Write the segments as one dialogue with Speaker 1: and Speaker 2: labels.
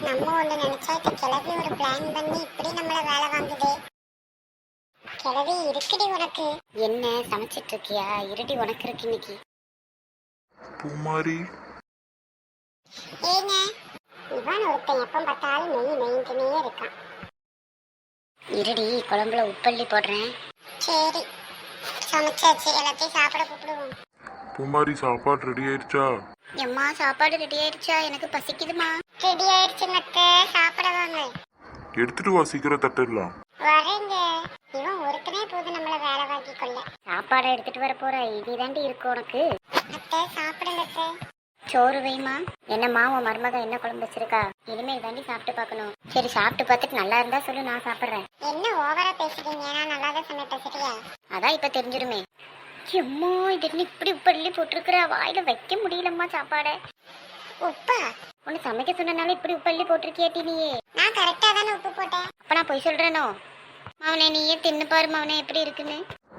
Speaker 1: நம்ம ஒண்ணு நினைச்சா இந்த கிளவி ஒரு பிளான் பண்ணி இப்படி நம்மள வேலை வாங்குதே. கிளவி இருக்குடி உனக்கு. என்ன சமைச்சிட்டு இருக்கியா? இருடி உனக்கு இருக்கு இன்னைக்கு.
Speaker 2: பூமாரி
Speaker 1: ஏங்க இவன் ஒருத்தன் எப்ப பார்த்தாலும் நெய் நெய்ந்துனே இருக்கான். இருடி குழம்புல உப்பள்ளி போடுறேன். சரி சமைச்சாச்சு, எல்லாத்தையும் சாப்பிட கூப்பிடுவோம்.
Speaker 2: பூமாரி சாப்பாடு ரெடி ஆயிடுச்சா?
Speaker 1: எம்மா சாப்பாடு ரெடி ஆயிடுச்சா? எனக்கு பசிக்குதுமா. ரெடி ஆயிடுச்சுங்க அத்தை, சாப்பிட வாங்க.
Speaker 2: எடுத்துட்டு வா, சீக்கிரம் தட்டிடலாம்.
Speaker 1: வரேங்க. இவன் ஒருத்தனே போது நம்மள வேலை வாங்கி கொள்ள. சாப்பாடை எடுத்துட்டு வர போற இதுதாண்டி இருக்கு உனக்கு. அத்தை சாப்பிடுங்க அத்தை. சோறு வைமா. என்னம்மா உன் மருமக என்ன குழம்பு வச்சிருக்கா? இனிமே தாண்டி சாப்பிட்டு பார்க்கணும். சரி சாப்பிட்டு பார்த்துட்டு நல்லா இருந்தா சொல்லு, நான் சாப்பிடுறேன். என்ன ஓவரா பேசுறீங்க? நான் நல்லா தான் சமைப்பேன் சரியா? அதான் இப்ப தெரிஞ்சிருமே. எம்மா இது இப்படி உப்பள்ளி போட்டிருக்கிற, வாயில வைக்க முடியலம்மா சாப்பாட. உப்பா? உன்னை சமைக்க சொன்னனால இப்படி உப்பள்ளி போட்டிருக்கியாட்டி நீயே? நான் கரெக்டா தானே உப்பு போட்டேன். அப்ப நான் போய் சொல்றேனோ? மவனே நீயே தின்னு பாரு மவனே எப்படி இருக்குன்னு.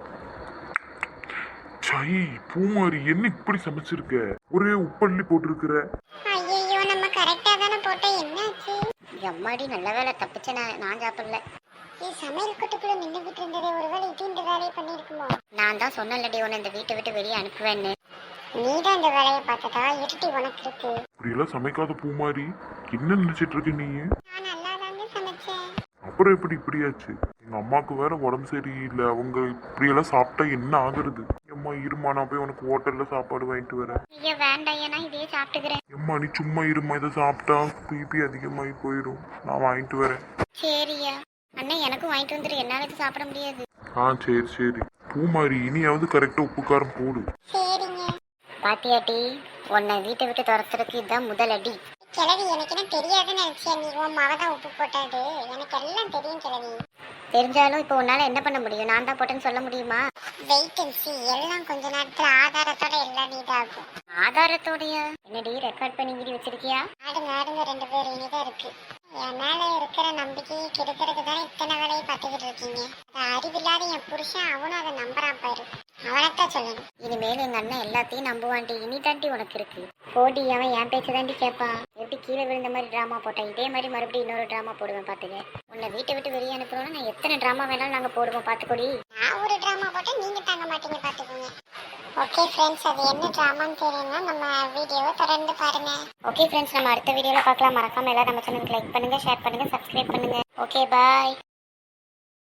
Speaker 2: சை பூமாரி, என்ன இப்படி சமைச்சிருக்க? ஒரே உப்பள்ளி போட்டிருக்கிற.
Speaker 1: ஐயோ நம்ம கரெக்டா தானே போட்டோம், என்னாச்சு? எம்மாடி நல்ல வேலை தப்பிச்ச, நான் சாப்பிடல. சமையல் கட்டுக்குள்ள நின்றுகிட்டு இருந்ததே, ஒருவேளை இது இந்த வேலையை பண்ணிருக்குமோ? நான் தான் சொன்னலடி உன்னை இந்த வீட்டை விட்டு வெளியே அனுப்புவேன்னு. நீதான் இந்த வேலையை பார்த்ததா? இருட்டி உனக்கு இருக்கு.
Speaker 2: இப்படியெல்லாம் சமைக்காத பூமாரி, என்ன நினைச்சிட்டு இருக்க நீ?
Speaker 1: நான் நல்லா தாங்க சமைச்சேன்.
Speaker 2: அப்புறம் எப்படி இப்படியாச்சு? எங்க அம்மாவுக்கு வேற உடம்பு சரியில்லை, அவங்க இப்படியெல்லாம் சாப்பிட்டா என்ன ஆகுறது? எம்மா இருமா, நான் போய் உனக்கு ஹோட்டல்ல சாப்பாடு வாங்கிட்டு வரேன்.
Speaker 1: ஐயா வேண்டாம், நான் இதையே சாப்பிட்டுக்கிறேன்.
Speaker 2: எம்மா நீ சும்மா இருமா, இதை சாப்பிட்டா பிபி அதிகமாகி போயிடும், நான் வாங்கிட்டு வரேன்.
Speaker 1: சரியா அண்ணா, எனக்கும் வாங்கிட்டு வந்துரு, என்னால இது சாப்பிட முடியாது.
Speaker 2: சரி சரி பூமாரி, இனியாவது கரெக்டா உப்பு காரம் போடு.
Speaker 1: சரிங்க. பாத்தியாட்டி, உன்னை வீட்டை விட்டு துரத்துறதுக்கு இதுதான் முதல் அடி. கிழவி எனக்கு என்ன தெரியாதுன்னு நினைச்சியா நீ? உன் மவதான் உப்பு போட்டாது, எனக்கு எல்லாம் தெரியும் கிழவி. தெரிஞ்சாலும் இப்போ உன்னால என்ன பண்ண முடியும்? நான் தான் போட்டேன்னு சொல்ல முடியுமா? வெயிட் அண்ட் சீ, எல்லாம் கொஞ்ச நேரத்துல ஆதாரத்தோட எல்லாம் இதாகும். ஆதாரத்தோடயா? என்னடி ரெக்கார்ட் பண்ணி வீடி வச்சிருக்கியா? ஆடுங்க ஆடுங்க, 2 பேரும் இனிதான் இருக்கு. என் மேல இருக்கிற நம்பிக்கையை கெடுக்கிறதுக்கு தானே இத்தனை வேலையை பார்த்துக்கிட்டு இருக்கீங்க. அறிவில்லாத என் புருஷன், அவனும் அதை நம்புறான் பாரு. அவனைத்தான் சொல்லணும். இனிமேல் எங்க அண்ணன் எல்லாத்தையும் நம்புவான்டி, இனி தாண்டி உனக்கு இருக்கு. போடி, அவன் என் பேச்சு தாண்டி கேட்பான். எப்படி கீழே விழுந்த மாதிரி டிராமா போட்டேன், இதே மாதிரி மறுபடியும் இன்னொரு டிராமா போடுவேன் பாத்துக்க. உன்னை வீட்டை விட்டு வெளியே அனுப்புறோம்னா நான் எத்தனை டிராமா வேணாலும் நாங்க போடுவோம் பாத்துக்கொடி. நான் ஒரு டிராமா போட்டா நீங்க தாங்க மாட்டீங்க பாத்துக்கோங்க. ஓகே ஃப்ரெண்ட்ஸ், அது என்ன டிராமான்னு தெரியும்னா நம்ம வீடியோவை தொடர்ந்து பாருங்க. ஓகே ஃப்ரெண்ட்ஸ், நம்ம அடுத்த வீடியோல பார்க்கலாம். மறக்காம எல்லாரும் நம்ம சேனலுக்கு லைக் பண்ணுங்க, ஷேர் பண்ணுங்க, சப்ஸ்கிரைப் பண்ணுங்க. ஓகே பாய்.